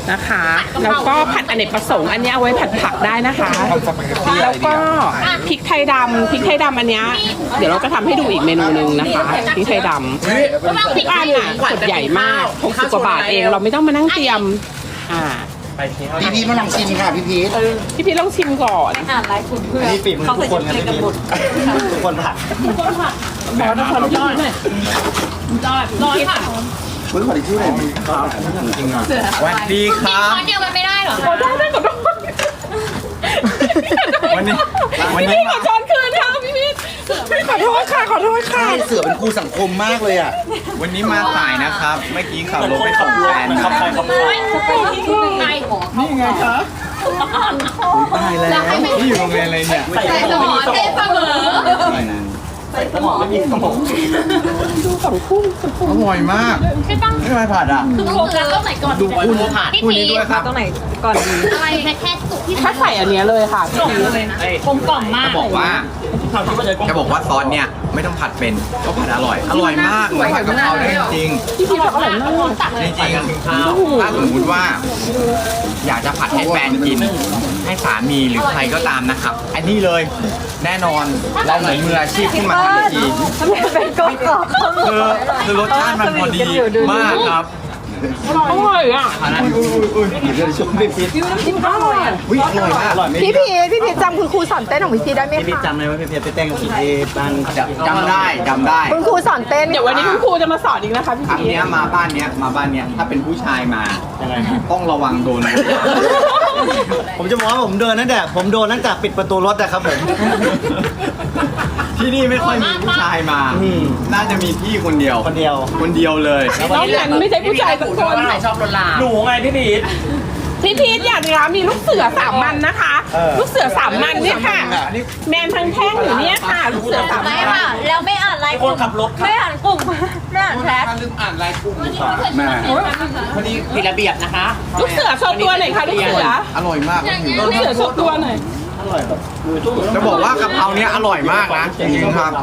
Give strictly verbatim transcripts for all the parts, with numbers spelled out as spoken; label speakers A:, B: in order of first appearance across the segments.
A: นะคะ แล้วก็ผัดอเนกประสงค์อันนี้เอาไว้ผัดผักได้นะคะ แล้วก็พริกไทยดำพริกไทยดำอันเนี้ยเดี๋ยวเราจะทำให้ดูอีกเมนูหนึ่งนะคะพริกไทยดำที่บ้านอ่ะขวดใหญ่มากหกสิบกว่าบาทเองเราไม่ต้องมานั่งเตรียมอ่า
B: พี่พีทมาลองชิมค่ะพี่พีท
A: พี่พี่ลองชิมก่อน
C: อ่านไลฟ์คุณเพื่อน
B: นี่ฝีมือทุกคนนะพี่พีททุกคนผัด
A: บอสทุกคนพี่หน่อย
C: ร้อนค่ะ
B: เฮ้ยขอที่ชื่ออะไรมีครับจริงอ่ะสวัสดีครับ
C: ช้อนเดียวมันไม่ได้หรอ
A: ขอโทษได้ขอโทษ
B: วันนี้วัน
A: พี่
B: นี้
A: ขอช้อนคืนค่ะพี่พี่ขอโทษค่ะขอโทษค่ะ
B: เสือเป็นครูสังคมมากเลยอ่ะ
D: วันนี้มาสายนะครับ เมื่อกี้ขับรถไปส่งแฟนครับ
C: ไง
D: นี่ไงครับ
B: ตายแล้ว
D: นี่อยู่โรงเรียนอะไรเนี่ย
C: ใส่หมอเทเสมอ
D: สมองไม่มีสมอง
A: ดูฝั่งคู่ฝั่งคู่
D: อร่อยมาก
C: ใช่ปัง
D: ไม่มาผัดอ่ะ
C: คือต้องคือต้องไหนก่อน
D: ดูคุณคุณนี้ด้วยครับ
C: ต้องไหนก่อนดีอะไรแค่แค่สุกที่
A: ถ้าใส่อันเนี้ยเลยค่ะพี่พี
C: กลมกล่อมมาก
D: จะบอกว่าจะบอกว่าซอสเนี่ยไม่ต้องผัดเป็นก็ผัดอร่อย อร่อยมากเหมือนผัดกะเพราเลยจริง
A: พี่พีบอกอร่อยมาก
D: ๆจริงๆถ้าสมมติว่า อยากจะผัดให้แฟนกิน ให้สามีหรือใครก็ตามนะครับ อันนี้เลยแน่นอนเราเหมือนมืออาชีพขึ้นมาทันที
C: เป็นก้อนก่อน
D: คือคือรสชาติมันพอดีมากครับ
A: อร่อยอ่ะ
B: เดี๋ยวชมพี่พีท
A: จิ้มอร่อยอ่ะ
D: อุ้ยอร่อยมาก
B: อร่อยไหม
E: พี่พีทพี่พีทจำคุณครูสอนเต้นของพี่พีทได้ไหม
B: พี่พีท
E: คะ
B: จำเลยว่าพี่พีทไปเต้นกับพี่เอบ้าน
D: จำได้จำได้
E: คุณครูสอนเต้น
A: เดี๋ยววันนี้คุณครูจะมาสอนอีกนะคะพี่
D: ครั้ง
A: พี
D: เนี้ยมาบ้านเนี้ยมาบ้านเนี้ยถ้าเป็นผู้ชายมา
B: ยังไง
D: ต้องระวังโดน
B: ผมจะบอกว่าผมเดินตั้งแต่ผมโดนตั้งแต่ปิดประตูรถนะครับผม
D: ที่นี่ไม่ค่อยมีผู้ชายมา
B: อืม
D: น่าจะมีพี่คนเดียว
B: คนเดียว
D: คนเดียวเลย
A: น้องนั้นไม่ใช่ผู้ชายสักคน
B: หนูไงพี่พีท
A: พี่พีทอยากนะมีลูกเสือสามมันนะคะ
B: เออ
A: ลูกเสือสามมันเนี่ยค่ะ แมนทั้งแท่งอยู่เนี่ยค่ะ ลูกเสือสาม
C: ไม่
A: มัน
C: ค่ะแล้วไม่อ่านไลฟ์กลุ่มไม่อ่านกลุ่มไม่อ่านแชท
D: แม่
F: ผิดระเบียบนะคะ
A: ลูกเสือโชว์ตัวหน่อยค่ะลูกเสือ
D: อร่อยมาก
A: ลูกเสือโชว์ตัวหน่อย
D: จะบอกว่ากะเพราเนี้ยอร่อยมากนะจริงๆครับ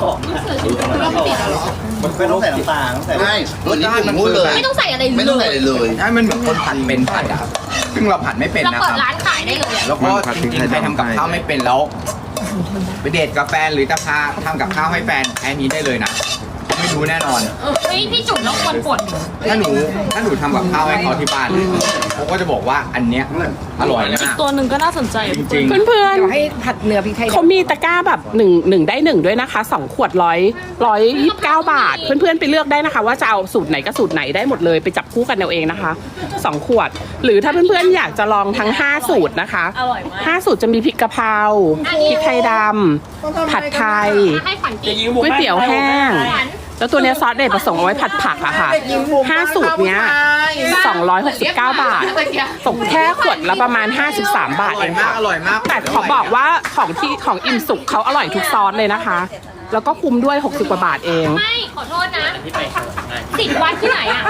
B: มันไม่ต้องใส่น้ำตาลต้องใส่
G: ใช่วันนี้ผมพูดเลย
C: ไม่ต้องใส่อะไร
G: ไม่ต้องใส่อะไรเลย
D: ให้มันเหมือนคนผัดเป็นผัดอะซึ่งเราผัดไม่เป็น
C: เรา
D: นะค
C: เปิ
D: รั
C: ด
D: บ
C: ร้านขายได้เลย
D: แล้วก็จริงๆใครทำกับข้าวไม่เป็นแล้ว ไปเดทกับแฟนหรือจะพาทำกับข้าวให้แฟนแค่นี้ได้เลยนะไม่รู้แน่นอน
C: เฮ้ยพี่จุ๋มต้องควรปวด
D: ถ้าหนูถ้าหนูทำกับข้าวให้เขาที่บ้านเขาก็จะบอกว่าอันเนี้ยอร่อยมาก
C: ตัวหนึ่งก็น่าสนใจ
D: จริง
A: เพื่อน
E: เดี๋ยวให้ผัดเนื้อพริกไทย
A: ๆเขามีตะกร้าแบบหนึ่งหนึ่งได้หนึ่งด้วยนะคะสองขวดร้อยร้อยยี่สิบเก้าบาท เพื่อนๆไปเลือกได้นะคะ ว่าจะเอาสูตรไหนก็สูตรไหนได้หมดเลยไปจับคู่กันเอาเองนะคะสองขวด หรือถ้าเพื่อนๆอยากจะลองทั้งห้าสูตรนะคะ
C: อร่อยมาก
A: ห้าสูตรจะมีพริกกะเพราพริกไทยดำผัดไทย
C: ให้ขวัญกิน
A: ก๋วยเตี๋ยวแห้ง แล้วตัวเนี้ยซอสเด็ดประสงค์เอาไว้ผัดผักอะค่ะห้าสูตรเนี้ยสองร้อยหกสิบเก้าบาท ตกแค่ขวดละประมาณห้าสิบสามบาท
D: อ
A: เอ
D: ร่อย
A: ง
D: มาก
A: ค่ะ
D: อร่อยมาก
A: แต่ขอบอกว่าของที่ของอิ่มสุกเขาอร่อยทุกซอสเลยนะคะ แล้วก็คุ้มด้วยหกสิบกว่าบาทเอง
C: ไม่ขอโทษนะสิทธิ์วัดที่ไหนอ่ะ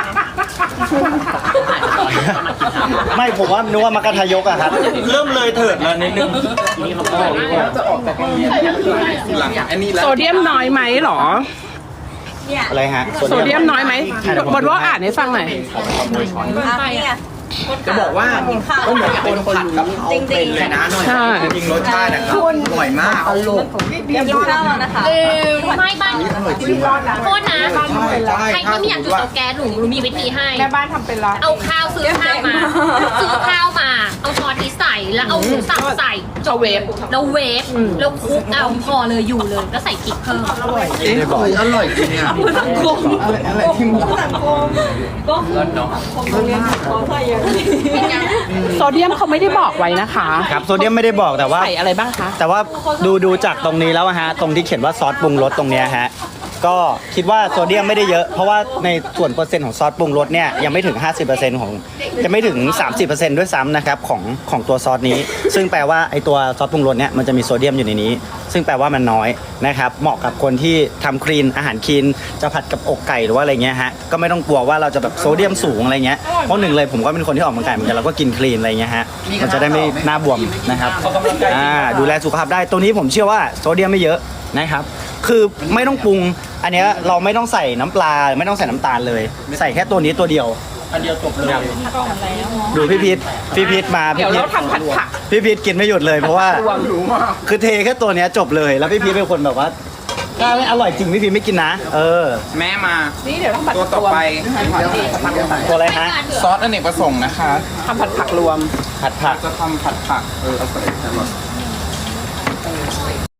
B: ไม่ผมว่านึกว่ามากระทายกอะครับ เริ่มเลยเถิดแล้วนิดนึง
D: หลังอันนี้แล้ว
A: โซเดียมน้อยไหมหรอ
B: อะไรฮะ
A: โซเดียมน้อยไหมบนว่าอ่านให้ฟังหน่อย
D: จะบอกว่าก็เหมือนคนผัดกับเขาเป็นเลยนะ
A: ใช่
D: จริงๆรสชาตินะครับอร่อยมาก
C: ไม่บ้านโทษนะ
D: ใช่
C: ใครที่ไม่อยากจุดเตาแก๊สหนูหนูมีวิธีให้
A: แม่บ้านทำเป็นละ
C: เอาข้าวซื้อข้าวมา ซื้อข้าวมา เอาช้อนที่ใส่แล้วเอาหมูสับใส่
A: จะเวฟ
C: แล้วเวฟแล้วคลุกเอาพอเลยอยู่เลยก็ใส่พริกเพิ่ม
G: เอ๊ะเอร่อยจริงเนี่ย
D: อะไรที่มัน
A: โซเดียมเขาไม่ได้บอกไว้นะคะ
B: ครับโซเดียมไม่ได้บอกแต่ว่า
A: ใส่อะไรบ้างคะ
B: แต่ว่าดูดูจากตรงนี้แล้วอะฮะตรงที่เขียนว่าซอสปรุงรสตรงเนี้ยฮะก็คิดว่าโซเดียมไม่ได้เยอะเพราะว่าในส่วนเปอร์เซ็นต์ของซอสปรุงรสเนี่ยยังไม่ถึง ห้าสิบเปอร์เซ็นต์ ของยังไม่ถึง สามสิบเปอร์เซ็นต์ ด้วยซ้ำนะครับของของตัวซอสนี้ ซึ่งแปลว่าไอตัวซอสปรุงรสเนี่ยมันจะมีโซเดียมอยู่ในนี้ ซึ่งแปลว่ามันน้อยนะครับเหมาะกับคนที่ทำคลีนอาหารคลีนจะผัดกับอกไก่หรือว่าอะไรเงี้ยฮะก็ไม่ต้องกลัวว่าเราจะแบบโซเดียมสูงอะไรเงี้ยเพราะหนึ่งเลยผมก็เป็นคนที่ออกกำลังกายเหมือนกันเราก็กินคลีนอะไรเงี้ยฮะมันจะได้ไม่หน้าบวมนะครับอ่าดูแลสุขภาพได้ตัวนี้ผมเชื่อว่าโซเดียมไม่เยอะนะครับคือไม่ต้องปรุงอันเนี้ยเราไม่ต้องใส่น้ำปลาไม่ต้องใส่น้ำตาลเลย ใส่แค่ตัวนี้ตัวเดียว
G: อันเดียวจบเลย
B: ดูพี่พีทพี่พีทมา
A: เดี๋
B: พี่
A: ยว
B: พีท
A: เราทำผัดผัก
B: พี่พีทกินไม่หยุดเลยเพราะว่า
A: รวม
B: คือเทแค่ตัวเนี้ยจบเลย แล้วพี่พีทเป็นคนแบบว่าถ้าไม่อร่อยจริงพี่พีทไม่กินนะ เออ
D: แม่มา
A: นี่เดี๋ยวต้องผัด
D: ตัวต่อไป
B: ตัวอะไรฮะ
D: ซอสอเนกประสงค์นะคะ
A: ทำผัดผักรวม
B: ผัดผัก
D: จะทำผัดผักเออเอาใส่แครอท